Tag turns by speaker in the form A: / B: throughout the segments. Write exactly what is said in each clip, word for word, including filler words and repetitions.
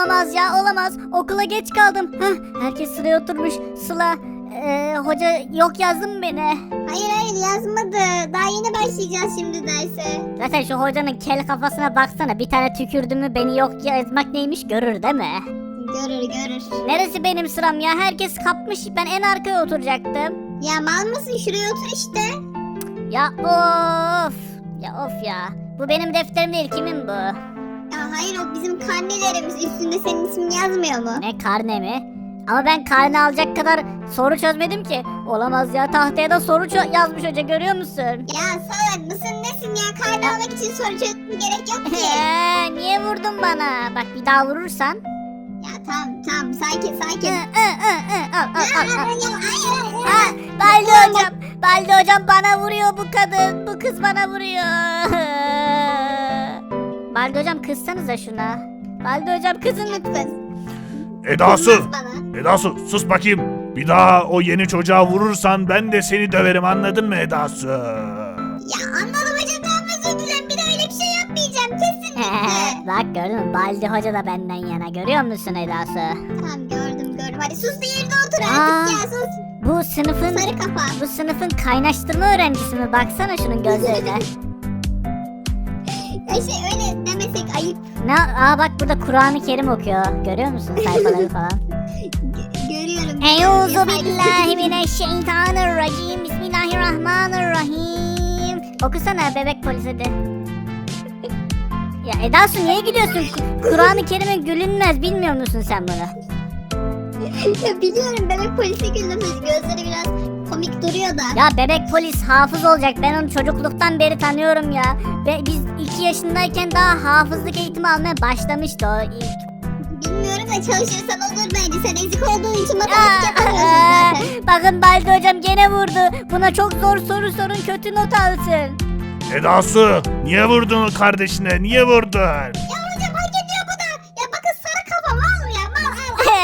A: Olamaz ya, olamaz. Okula geç kaldım. Heh, herkes sıraya oturmuş. Sıla, ee, hoca yok yazdı mı beni?
B: Hayır hayır yazmadı. Daha yeni başlayacağız şimdi derse.
A: Zaten şu hocanın kel kafasına baksana. Bir tane tükürdü mü beni yok yazmak neymiş görür değil mi?
B: Görür görür.
A: Neresi benim sıram ya? Herkes kapmış. Ben en arkaya oturacaktım.
B: Ya mal mısın, şuraya otur işte.
A: Ya of. Ya of ya. Bu benim defterim değil. Kimin bu?
B: Ya hayır, o bizim karnelerimiz, üstünde senin ismin yazmıyor mu?
A: Ne, karne mi? Ama ben karne alacak kadar soru çözmedim ki. Olamaz ya, tahtaya da soru çö- yazmış hoca, görüyor musun?
B: Ya salak mısın nesin ya, karne almak için soru çözmeye gerek yok ki.
A: Eee, niye vurdun bana? Bak bir daha vurursan.
B: Ya tamam tamam, sakin
A: Hı,
B: sakin.
A: hı, hı, hı. Al, al, al, al.
B: Ya, hayır, hayır.
A: Ha, Baldi hocam, Baldi hocam bana vuruyor bu kadın. Bu kız bana vuruyor. Baldi hocam kızsanıza şuna. Baldi hocam kızın lütfen.
C: Edasu!
B: Kızmaz bana.
C: Edasu sus bakayım. Bir daha o yeni çocuğa vurursan ben de seni döverim, anladın mı Edasu?
B: Ya anladım hocam, tamam özür dilerim, bir de öyle bir şey yapmayacağım kesinlikle.
A: Bak gördün mü, Baldi hoca da benden yana, görüyor musun Edası?
B: Tamam gördüm gördüm, hadi sus da yerine otur
A: Aa.
B: artık ya, sus.
A: Bu sınıfın
B: Sarı kafa.
A: bu sınıfın kaynaştırma öğrencisi mi? Baksana şunun gözlerine.
B: Ya şey öyle demesek ayıp.
A: Ne? Aa bak burada Kur'an-ı Kerim okuyor. Görüyor musun sayfaları falan?
B: G- görüyorum.
A: Euzu billahi mineşşeytanirracim. Bismillahirrahmanirrahim. Okusana bebek polis hadi. Ya Edasu niye gülüyorsun? Ku- Kur'an-ı Kerim'in gülünmez, bilmiyor musun sen bunu?
B: Ya biliyorum, bebek polisi güldüm, gözleri biraz komik duruyor da.
A: Ya bebek polis hafız olacak. Ben onu çocukluktan beri tanıyorum ya. Ve biz iki yaşındayken daha hafızlık eğitimi almaya başlamıştı o ilk.
B: Bilmiyorum da çalışırsan olur bence, sen ezik olduğun için
A: Aa,
B: matematik yapamıyorsun zaten.
A: bakın Baldi hocam gene vurdu. Buna çok zor soru sorun, kötü not alsın.
C: Edasu! Niye vurdun kardeşine? Niye vurdun?
B: Ya hocam hak ediyor bu da. Ya bakın sarı kafa mal ya, mal al.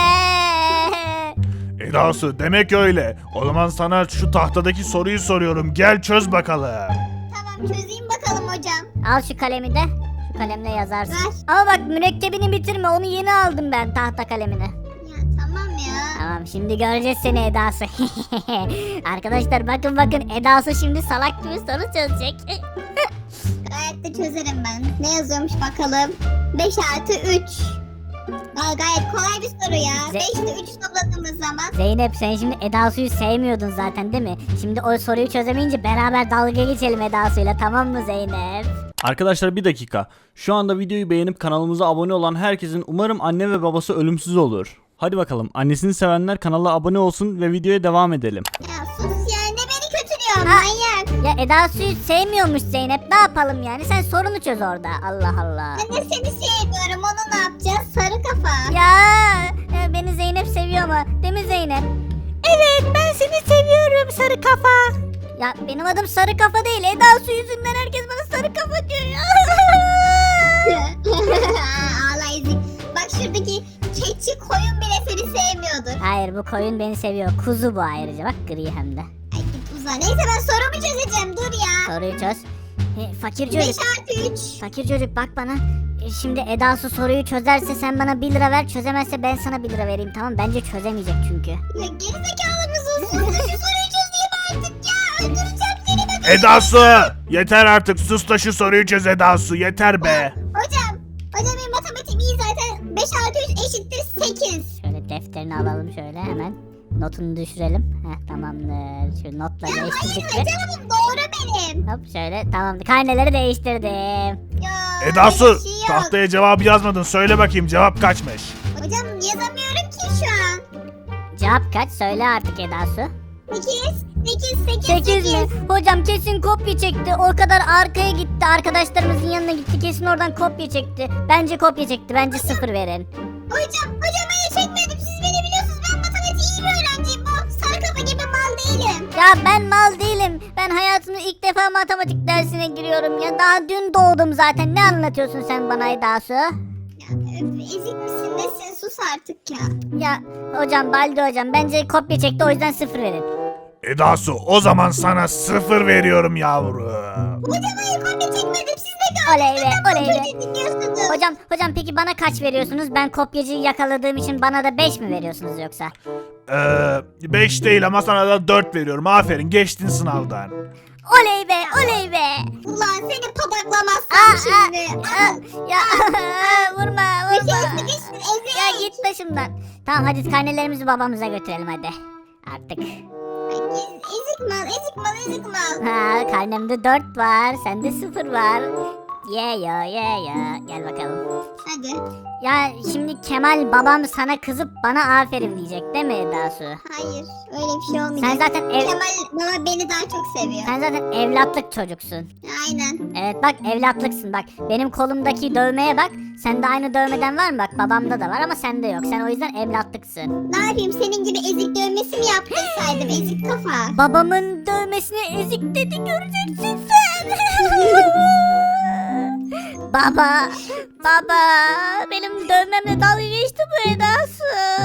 C: Edasu demek öyle. O zaman sana şu tahtadaki soruyu soruyorum. Gel çöz bakalım.
B: Tamam çözeyim bakalım hocam.
A: Al şu kalemi de. Şu kalemle yazarsın.
B: Ver.
A: Ama bak mürekkebini bitirme. Onu yeni aldım ben, tahta kalemini.
B: Ya tamam ya.
A: Tamam, şimdi göreceğiz seni Edası. Arkadaşlar bakın bakın, Edası şimdi salak gibi soru çözecek.
B: Gayet de çözerim ben. Ne yazıyormuş bakalım. beş artı üç. Aa, gayet kolay bir soru ya.
A: Ze-
B: beşte üç topladığımız zaman.
A: Zeynep sen şimdi Edasu'yu sevmiyordun zaten değil mi? Şimdi o soruyu çözemeyince beraber dalga geçelim Edasu'yla, tamam mı Zeynep?
D: Arkadaşlar bir dakika. Şu anda videoyu beğenip kanalımıza abone olan herkesin umarım anne ve babası ölümsüz olur. Hadi bakalım, annesini sevenler kanala abone olsun ve videoya devam edelim.
B: Ya sus ya, ne beni kötülüyor
A: Ha.
B: manyak.
A: Ya Edasu'yu sevmiyormuş Zeynep, ne yapalım yani? Sen sorunu çöz orada, Allah Allah.
B: Ben de seni sevmiyorum, onu ne yapacağız? Sarı kafa.
A: Ya e, beni Zeynep seviyor mu? Değil mi Zeynep? Evet, ben seni seviyorum sarı kafa. Ya benim adım sarı kafa değil. Edası yüzünden herkes bana sarı kafa diyor ya.
B: Ağla ezik. Bak şuradaki keçi koyun bile seni sevmiyordur.
A: Hayır, bu koyun beni seviyor. Kuzu bu ayrıca, bak gri hem de.
B: Ay git uza. Neyse ben sorumu çözeceğim, dur ya.
A: Soruyu çöz. E, fakir
B: beş
A: çocuk.
B: artı üç.
A: Fakir çocuk bak bana. E, şimdi Edası soruyu çözerse sen bana bir lira ver. Çözemezse ben sana bir lira vereyim, tamam? Bence çözemeyecek çünkü.
B: Ya gerizekalı mısın? Sus da şu soruyu çözeyim artık ya. Öldüreceğim seni ben.
C: Edasu! Yeter artık, sus da şu soruyu çöz Edasu, yeter be.
B: Hocam. Hocam benim matematiğim iyi zaten. beş artı üç eşittir sekiz.
A: Şöyle defterini alalım şöyle hemen. Notunu düşürelim. Heh, tamamdır. Şu notla
B: Ya hayır
A: değiştirdik mi?
B: hocam, doğru benim.
A: Hop şöyle, tamamdır. Karneleri değiştirdim.
B: Ya
C: Edasu,
B: öyle bir şey yok.
C: tahtaya cevabı yazmadın. Söyle bakayım, cevap kaçmış?
B: Hocam yazamıyorum ki şu an.
A: Cevap kaç? Söyle artık Edası.
B: sekiz. sekiz. sekiz.
A: sekiz mi? Hocam kesin kopya çekti. O kadar arkaya gitti. Arkadaşlarımızın yanına gitti. Kesin oradan kopya çekti. Bence kopya çekti. Bence sıfır verin.
B: Hocam, hocam hayır çekmedim. Siz beni biliyorsunuz. Ben matematiği iyi bir öğrenciyim. Bu sarı kafa gibi mal değilim.
A: Ya ben mal değilim. Ben hayatımda ilk defa matematik dersine giriyorum ya. Daha dün doğdum zaten. Ne anlatıyorsun sen bana Edası?
B: Ya öf, ezik misin nesin? Sus artık ya.
A: Ya hocam, Baldi hocam bence kopya çekti, o yüzden sıfır verin.
C: Edasu, o zaman sana sıfır veriyorum yavrum.
B: Hocam hayır kopya çekmedim. Siz de
A: Oley be, oley be.
B: dinliyorsunuz.
A: Hocam hocam peki bana kaç veriyorsunuz? Ben kopyacıyı yakaladığım için bana da beş mi veriyorsunuz yoksa?
C: Ee, beş değil ama sana da dört veriyorum. Aferin, geçtin sınavdan.
A: Oley be oley be.
B: Ulan seni
A: Aa,
B: pataklamazsam şimdi.
A: aa, aa, ya vurma
B: Düşün
A: vurma.
B: düşün
A: Ya
B: ezik.
A: git başımdan. Tamam hadi karnelerimizi babamıza götürelim hadi. Artık.
B: Ez- Ezik mal ezik mal ezik mal.
A: Ha karnemde dört var. Sende sıfır var. Ye ya ye ya. Gel bakalım.
B: Hadi.
A: Ya şimdi Kemal babam sana kızıp bana aferin diyecek değil mi Dasu?
B: Hayır öyle bir şey olmayacak.
A: Sen zaten ev,
B: Kemal baba beni daha çok seviyor.
A: sen zaten evlatlık çocuksun.
B: Aynen.
A: Evet bak evlatlıksın bak. Benim kolumdaki dövmeye bak. Sende aynı dövmeden var mı bak? Babamda da var ama sende yok. Sen o yüzden evlatlıksın.
B: Ne yapayım senin gibi ezik dövmesi mi yaptırsaydım ezik kafa.
A: Babamın dövmesine ezik dedi göreceksin sen. Baba, baba, benim dövmemle dalga geçti bu Edası.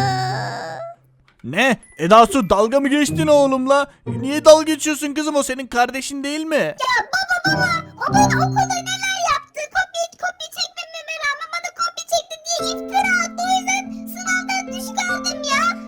D: Ne? Edasu dalga mı geçtin oğlumla? Niye dalga geçiyorsun kızım, o senin kardeşin değil mi?
B: Ya baba baba o bana okulda neler yaptı. Kopya kopya çekmememe rağmen bana kopya çekti diye iftira attı. O yüzden sınavdan düşük aldım ya.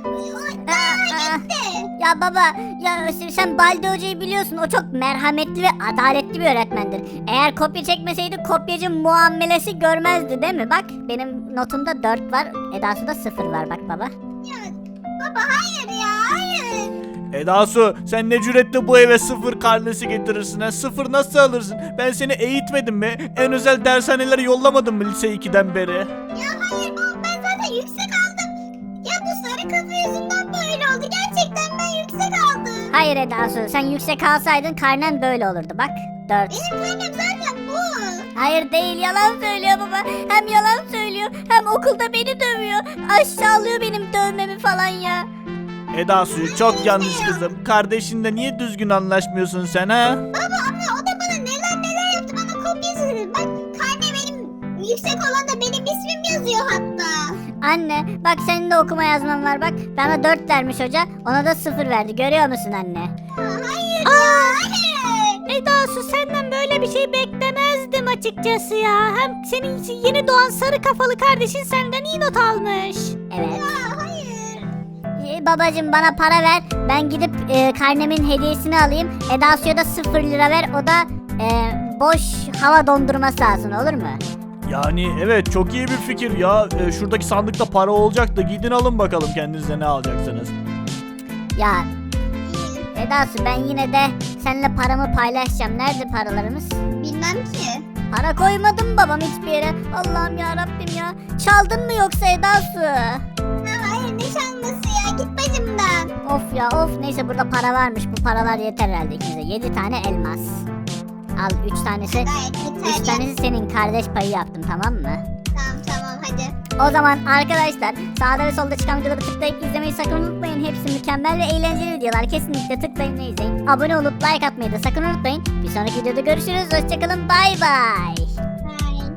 B: Aa, gitti.
A: Ya baba, ya sen Balde Hoca'yı biliyorsun. O çok merhametli ve adaletli bir öğretmendir. Eğer kopya çekmeseydi kopyacı muamelesi görmezdi değil mi? Bak benim notumda dört var, Edasu'da sıfır var bak baba.
B: Ya baba hayır ya hayır.
D: Edasu sen ne cüretle bu eve sıfır karnesi getirirsin ha? Sıfır nasıl alırsın? Ben seni eğitmedim mi? En özel dershanelere yollamadım mı lise ikiden beri?
B: Ya hayır baba ben zaten yüksek aldım. Ya bu sarı kafa yüzünden böyle oldu. Gerçekten ben yüksek aldım.
A: Hayır Edasu, sen yüksek alsaydın karnen böyle olurdu bak. dört.
B: Benim karnem zaten bu.
A: Hayır değil, yalan söylüyor baba. Hem yalan söylüyor hem okulda beni dövüyor. Aşağılıyor benim dövmemi falan ya.
D: Edasu çok yanlış kızım. Kardeşinle niye düzgün anlaşmıyorsun sen ha?
B: Baba ama o da bana neler neler yaptı. Bana kopya çizdi. Bak karne benim yüksek olan da benim ismim yazıyor hatta.
A: Anne bak senin de okuma yazman var bak. Bana dört vermiş hoca, ona da sıfır verdi, görüyor musun anne?
B: Ha, hayır ya hayır.
A: Edasu senden böyle bir şey beklemezdim açıkçası ya. Hem senin yeni doğan sarı kafalı kardeşin senden iyi not almış. Evet.
B: Ya hayır.
A: Ee, babacım bana para ver. Ben gidip e, karnemin hediyesini alayım. Edasu'ya da sıfır lira ver. O da e, boş hava dondurması alsın, olur mu?
D: Yani evet, çok iyi bir fikir ya. Ee, şuradaki sandıkta para olacak da gidin alın bakalım kendinize ne alacaksınız.
A: Ya Edasu ben yine de seninle paramı paylaşacağım. Nerede paralarımız?
B: Bilmem ki.
A: Para koymadım babam hiçbir yere. Allah'ım ya Rabbim ya. Çaldın mı yoksa Edasu?
B: Ha, hayır ne çalması ya git bacımdan.
A: Of ya of, neyse burada para varmış. Bu paralar yeter herhalde ikimize. Yedi tane elmas. Al üç tanesi.
B: Gayet yeter
A: Üç
B: ya.
A: tanesi senin, kardeş payı yaptım, tamam mı?
B: Tamam tamam hadi.
A: O zaman arkadaşlar sağda ve solda çıkan videoları tıklayıp izlemeyi sakın unutmayın. Hepsi mükemmel ve eğlenceli videolar. Kesinlikle tıklayın ve izleyin. Abone olup like atmayı da sakın unutmayın. Bir sonraki videoda görüşürüz. Hoşçakalın. Bay bay.